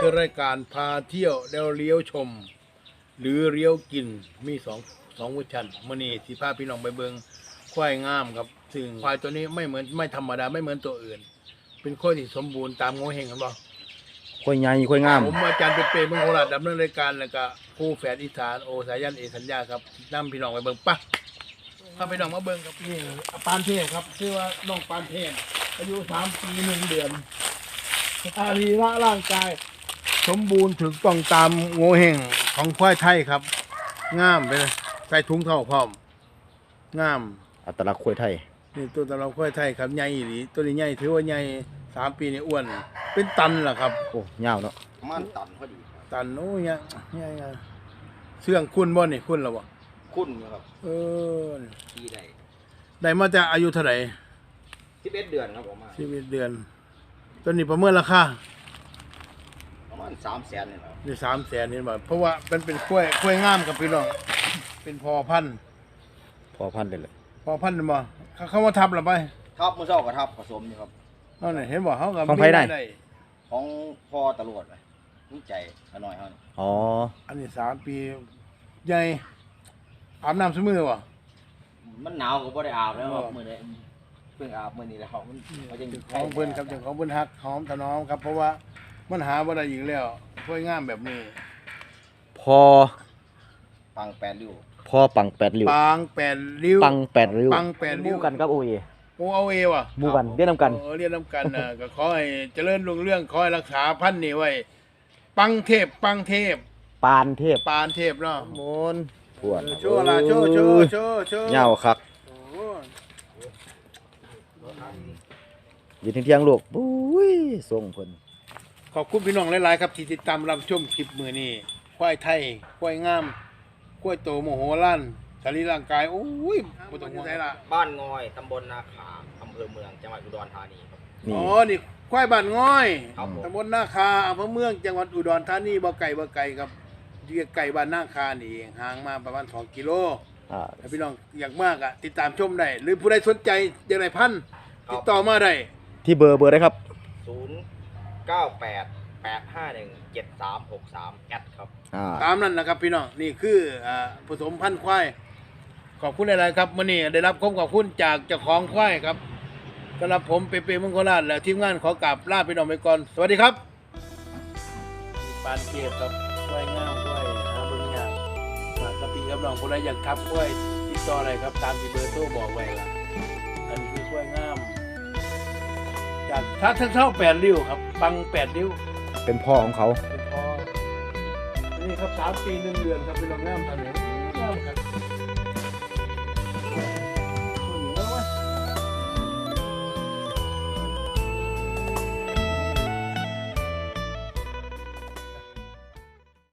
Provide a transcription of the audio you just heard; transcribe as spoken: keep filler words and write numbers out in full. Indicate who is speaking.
Speaker 1: คือรายการพาเที่ยวแล้วเลี้ยวชม หรือเลี้ยวกินมีสองสองเวอร์ชันมื้อนี้สิพาพี่น้องไปเบิ่งควายงามครับซึ่งควายตัวนี้ไม่เหมือนไม่ธรรมดาไม่เหมือนตัวอื่น เป็นควายที่สมบูรณ์ตามโงเฮงกันบ่
Speaker 2: ค่อยใหญ่ค่อยงาม
Speaker 1: ผมอาจารย์เปเป้เมืองโคราชดำเนินรายการแล้วก็ผู้แฝดอีสานโอสายันเอสัญญาครับนำพี่น้องไปเบิ่งปะพาพี่น้องมาเบิ่งครับนี่ปานเทพครับชื่อว่าน้องปานเทพอายุสามปีหนึ่งเดือนอารีระร่างกายสมบูรณ์ถึงต้องตามโงเฮงของควายไทยครับงามไปเลยใส่ถุงเท้าพร้อมงาม
Speaker 2: อัตลักษณ์ค่อยไทย
Speaker 1: นี่ตัวตะเราควายไทยครับใหญ่อีหลีตัวนี้ใหญ่ถือว่าใหญ่สามปีนี่อ้วนเป็นตันล่ะครับ
Speaker 2: โอ้ยาวเนาะ
Speaker 3: ประมาณตันพอดีครับ
Speaker 1: ตันโอ้ยเนี่ยเนี่ยเนี่ยเสื่องคุณบ่นี่คุณหรอบ่
Speaker 3: คุ้นอยู่ครับ
Speaker 1: เออ
Speaker 3: ที่ใด
Speaker 1: ได้มาจากอายุเท่าไหร่
Speaker 3: สิบเอ็ดเดือนครับผมมา
Speaker 1: ชีวิตเดือนตัวนี้ประเมินราคา
Speaker 3: ประมาณสามแสนนี่แหละครับ
Speaker 1: นี่สามแสนนี่บาทเพราะว่ามันเป็นกล้วยกล้วยงามกับพี่น้องเป็นพอพันธุ์
Speaker 2: พอพันได้เลย
Speaker 1: พอพันธุ์บ่เขาเขามาทับหรือไป
Speaker 3: ทับมือเช้ากับทับผสมอยู่ครับ
Speaker 1: นั่นน่ะเห็นบ่เขากับ
Speaker 2: ของไผได้
Speaker 3: ของพ่อตำรวจเลยนี่ใจขน่อยเขานี่
Speaker 2: อ๋อ
Speaker 1: อันนี้สามปีใหญ่อาบน้ำสมือบ่
Speaker 3: มันหนาวก็บ่ได้อาบแล้วครับ
Speaker 1: อ๋อ
Speaker 3: มื้อนี้เพิ่งอาบมื้อนี้แล้วมันเขาจะ
Speaker 1: เจ้าของเพิ่นครับเจ้าของเพิ่นฮักหอมถนอมครับเพราะว่ามันหาบ่ได้อีกแล้วกล้วยงามแบบนี้
Speaker 2: พอ
Speaker 3: ปังแปดริ้ว
Speaker 2: พอปังแปดริ้ว
Speaker 1: ปางแปดริ้ว
Speaker 2: ปังแปดริ้ว
Speaker 1: ปังแปดริ้ว
Speaker 2: หมู่กันกับโอเอ
Speaker 1: โอ้เอาเอว่ะ
Speaker 2: หมู่กันเรียนนำกัน
Speaker 1: เออเรียนน้ำกันนะก็ขอให้เจริญรุ่งเรื่องขอให้รักษาพันธุ์นี่ไว้ ปังเทพปังเทพ
Speaker 2: ปานเทพ
Speaker 1: ปานเทพเนาะ
Speaker 2: มนทวน
Speaker 1: โชว์ละโชว์โชว์โชว์โชว์
Speaker 2: ยาวคัก
Speaker 1: โอ้โห
Speaker 2: ยืนเที่ยงๆลูกบุ้ยส่งเพิ่น
Speaker 1: ขอบคุณพี่น้องหลายๆครับที่ติดตามรับชมคลิปมือนี้ควายไทยควายงามควายโตโมโหล้านสรีร่างกายโอ้ยบ่ต้องห่วงละ
Speaker 3: บ้านงอยตำบลนาขาอำเภอเมืองจังหวัดอุดรธานีครับ
Speaker 2: นี่
Speaker 1: อ๋อนี่ควายบ้านง้อย
Speaker 3: ครับผม
Speaker 1: ตำบลนาคาอำเภอเมืองจังหวัดอุดรธานีบ่ไก่บ่ไก่ครับอยู่ใกล้บ้านนาคานี่เองห่างมาประมาณสองกิโล
Speaker 2: อ่า
Speaker 1: ถ้าพี่น้องอยากมากอ่ะติดตามชมได้ หรือผู้ใดสนใจอยากได้พันธุ์ติดต่อมาได้
Speaker 2: ที่เบอร์เบอร์ได้ครับ
Speaker 3: ศูนย์เก้าแปดแปดห้าหนึ่งเจ็ดสามหกสามแอดครับ
Speaker 2: อ่า
Speaker 1: ตามนั้นนะครับพี่น้องนี่คืออ่าผสมพันธุ์ควายขอบคุณหลายๆครับมื่อนี้ได้รับคำขอบคุณจากเจ้าของควายครับสำหรับผมเปเปมังคลราชและทีมงานขอกราบลาพี่น้องไปก่อนสวัสดีครับปานเกียรติครับควายงามควายหาเบิ่งยากมากระปีกับน้องคนใดอยากทับควายติดต่ออะไรครับตามที่เบอร์โทรบอกไว้ละอันนี้คือควายงามจากทัดเท่าแปดริ้วครับบังแปดริ้ว
Speaker 2: เป็นพ่อของเขา
Speaker 1: เป็นพอนี่ครับสามปีหนึ่งเดือนครับเป็นโรงแรมทะเลงามครับ